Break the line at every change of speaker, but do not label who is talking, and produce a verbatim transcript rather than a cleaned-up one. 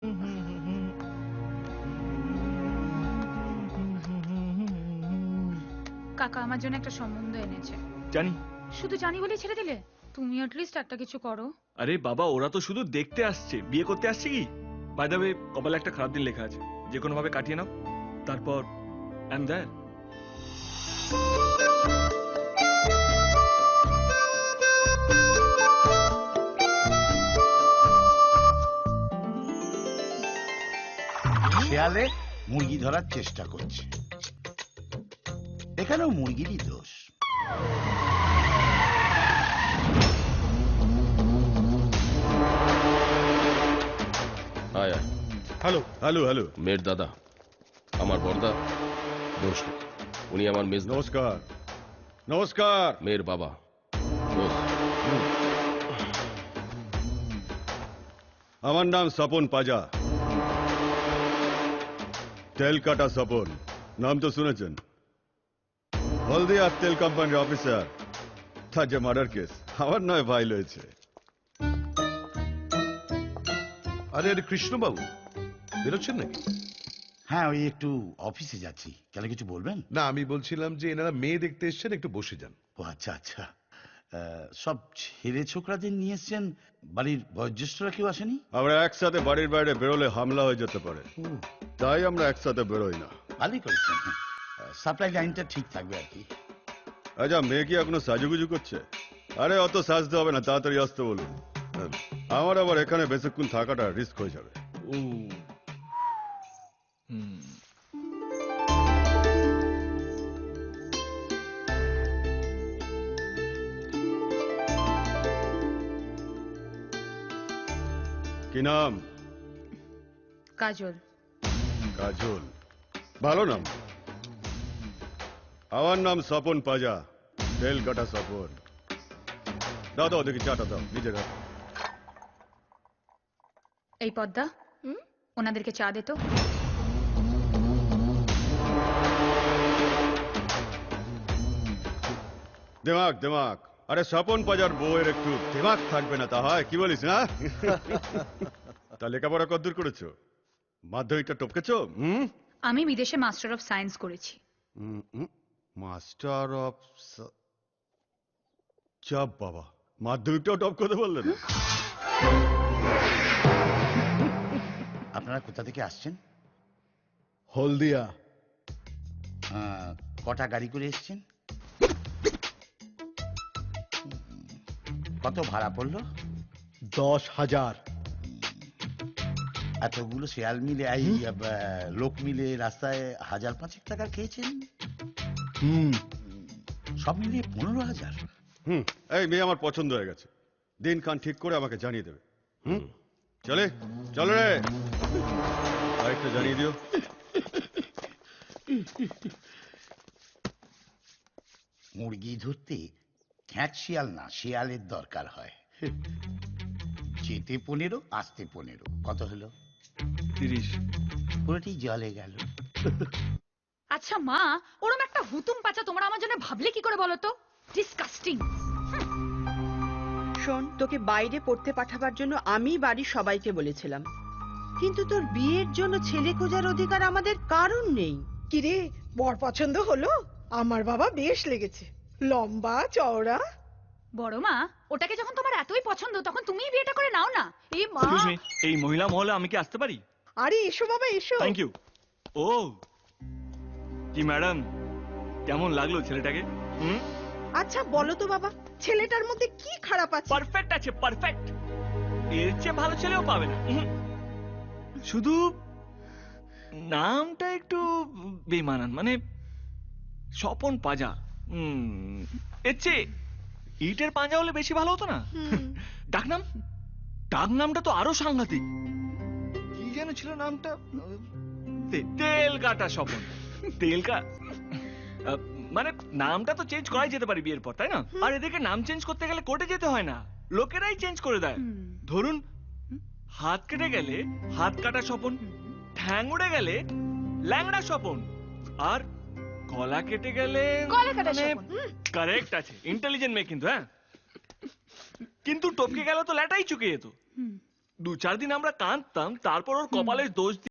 কাকা আমার জন্য একটা সম্বন্ধ এনেছে।
জানি।
শুধু জানি বলেই ছেড়ে দিলে? তুমি অ্যাটলিস্ট একটা কিছু করো।
আরে বাবা, ওরা তো শুধু দেখতে আসছে, বিয়ে করতে আসছে কি? বাই দ্য ওয়ে, কপালে একটা খারাপ দিন লেখা আছে, যে কোনো ভাবে কাটিয়ে নাও, তারপর আই এম দেয়ার।
শেয়ালে মুরগি ধরার চেষ্টা করছে, এখানেও মুরগিরই দোষ।
হ্যালো হ্যালো হ্যালো
মেয়ের দাদা, আমার বড়দা দোষ, উনি আমার মেজ।
নমস্কার নমস্কার।
মেয়ের বাবা দোষ।
আমার নাম স্বপন পাজা, তেল কাটা স্বপন, নাম তো শুনেছেন। হলদিয়া তেল কোম্পানির অফিসার, তার যে মার্ডার কেস আমার নয় ফাইল হয়েছে।
আরে আরে কৃষ্ণবাবু, বেরোচ্ছেন নাকি?
হ্যাঁ, ওই একটু অফিসে যাচ্ছি। কেন, কিছু বলবেন?
না, আমি বলছিলাম যে এনারা মেয়ে দেখতে এসছেন, একটু বসে যান।
ও আচ্ছা আচ্ছা। সব ছেলে ছোকরাদের নিয়ে এসছেন, বাড়ির বয়োজ্যেষ্ঠরা কেউ আসেনি?
আমরা একসাথে বাড়ির বাইরে বেরোলে হামলা হয়ে যেতে পারে, তাই আমরা একসাথে বেরোই না।
ভালোই করেছেন, সাপ্লাই লাইনটা ঠিক থাকবে আর কি।
আচ্ছা, মেয়ে কি এখনো সাজুগুজু করছে? আরে অত সাজতে হবে না, তাড়াতাড়ি আসতে বলুন। আমার আবার এখানে বেশিক্ষণ থাকাটা রিস্ক হয়ে যাবে।
ও হুম,
কি নাম?
কাজল।
কাজল, ভালো নাম। আমার নাম স্বপন পাজা, তেল কাটা স্বপন। দাও দাও দেখি চাটা দাও, নিজে দাও।
এই পদ্মা, ওনাদেরকে চা দে তো।
দিমাগ দিমাগ, আরে স্বপন পাজার বউয়ের একটু দিমাগ থাকবে না তা হয়? কি বলিস না? তা লেখাপড়া কতদূর করেছো? মাধ্যমিকটা টপকেছো? হুম,
আমি বিদেশে মাস্টার অফ সায়েন্স করেছি।
মাস্টার অফ, চাপ বাবা, মাধ্যমিকটাও টপ করতে বললে না?
আপনারা কোথা থেকে আসছেন?
হলদিয়া।
আহ, কটা গাড়ি করে এসছেন? কত ভাড়া পড়লো?
দশ হাজার।
এতগুলো শেয়াল মিলে, এই আহ, লোক মিলে রাস্তায় হাজার পাঁচেক টাকা খেয়েছেন?
হুম
সব মিলিয়ে পনেরো হাজার।
হুম এই মেয়ে আমার পছন্দ হয়ে গেছে, দিন খান ঠিক করে আমাকে জানিয়ে দেবে। হুম চলে চলে রে, আরেকটা জানিয়ে দিও।
মুরগি ধরতে খ্যাট শিয়াল না, শিয়ালের দরকার হয়। যেতে পনেরো, আসতে পনেরো, কত হলো?
তিরিশ।
পুরোটি জলে গেল।
আচ্ছা মা, ওরম একটা হুতুম পাচা তোমরা আমার জন্য ভাবলে কি করে বলো তো? ডিসকাস্টিং।
শোন, তোকে বাইরে পড়তে পাঠাবার জন্য আমি বাড়ির সবাইকে বলেছিলাম, কিন্তু তোর বিয়ের জন্য ছেলে খোঁজার অধিকার আমাদের কারণ নেই।
কিরে, বর পছন্দ হলো? আমার বাবা বেশ লেগেছে, লম্বা চওড়া।
বড় মা, ওটাকে যখন তোমার এতই পছন্দ তখন তুমিই বিয়েটা করে নাও না। এই মা,
এক্সকিউজ মি, এই মহিলা মহলে আমি কি আসতে পারি?
আরে এসো বাবা এসো।
Thank you. ও কি ম্যাডাম, কেমন লাগলো ছেলেটাকে? হুম,
আচ্ছা বলো তো বাবা, ছেলেটার মধ্যে কি খারাপ আছে?
পারফেক্ট আছে, পারফেক্ট। এর চেয়ে ভালো ছেলেও পাবে না। হুম। শুধু নামটা একটু বেমানান, মানে স্বপন পাজা। হুম, এর চেয়ে ইটের পাঞ্জা হলে বেশি ভালো হতো না? ডাকনাম, ডাকনামটা তো আরো সাংঘাতিক। কি যেন ছিল নামটা? তে- তেল কাটা স্বপন। তেল কা আহ, মানে নামটা তো চেঞ্জ করাই যেতে পারে বিয়ের পর, তাই না? আর এদিকে নাম চেঞ্জ করতে গেলে কোর্টে যেতে হয় না, লোকেরাই চেঞ্জ করে দেয়। ধরুন হাত কেটে গেলে হাত কাটা স্বপন, ঠ্যাং উড়ে গেলে ল্যাংড়া স্বপন, আর গলা কেটে গেলে
গলা কাটা স্বপন।
কারেক্ট আছে, ইন্টেলিজেন্ট মেয়ে কিন্তু। হ্যাঁ, কিন্তু টপকে গেল তো ল্যাটাই চুকে যেত। দু চার দিন আমরা কাঁদতাম, তারপর ওর কপালের দোষ